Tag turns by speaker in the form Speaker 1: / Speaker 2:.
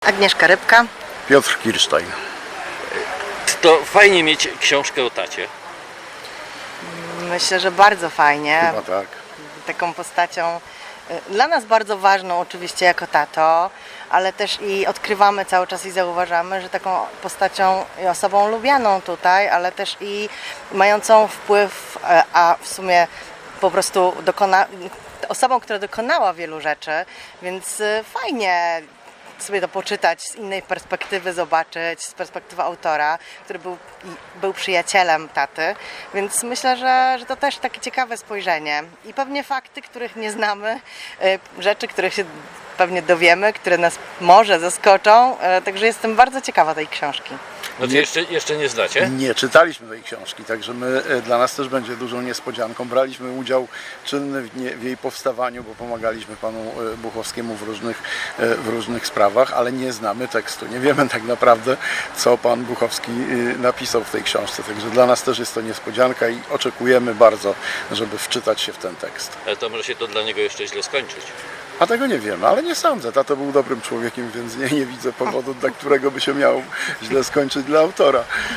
Speaker 1: Agnieszka Rybka.
Speaker 2: Piotr Kirstein.
Speaker 3: To fajnie mieć książkę o tacie.
Speaker 1: Myślę, że bardzo fajnie.
Speaker 2: Chyba tak.
Speaker 1: Taką postacią dla nas bardzo ważną oczywiście jako tato, ale też i odkrywamy cały czas i zauważamy, że taką postacią i osobą lubianą tutaj, ale też i mającą wpływ, a w sumie po prostu osobą, która dokonała wielu rzeczy, więc fajnie sobie to poczytać, z innej perspektywy zobaczyć, z perspektywy autora, który był przyjacielem taty, więc myślę, że to też takie ciekawe spojrzenie i pewnie fakty, których nie znamy, rzeczy, których się pewnie dowiemy, które nas może zaskoczą, także jestem bardzo ciekawa tej książki.
Speaker 3: Znaczy jeszcze nie znacie?
Speaker 2: Nie czytaliśmy tej książki, także dla nas też będzie dużą niespodzianką. Braliśmy udział czynny w jej powstawaniu, bo pomagaliśmy panu Buchowskiemu w różnych sprawach, ale nie znamy tekstu. Nie wiemy tak naprawdę, co pan Buchowski napisał w tej książce, także dla nas też jest to niespodzianka i oczekujemy bardzo, żeby wczytać się w ten tekst.
Speaker 3: Ale to może się to dla niego jeszcze źle skończyć.
Speaker 2: A tego nie wiemy, ale nie sądzę. Tato był dobrym człowiekiem, więc nie widzę powodu, dla którego by się miał źle skończyć dla autora.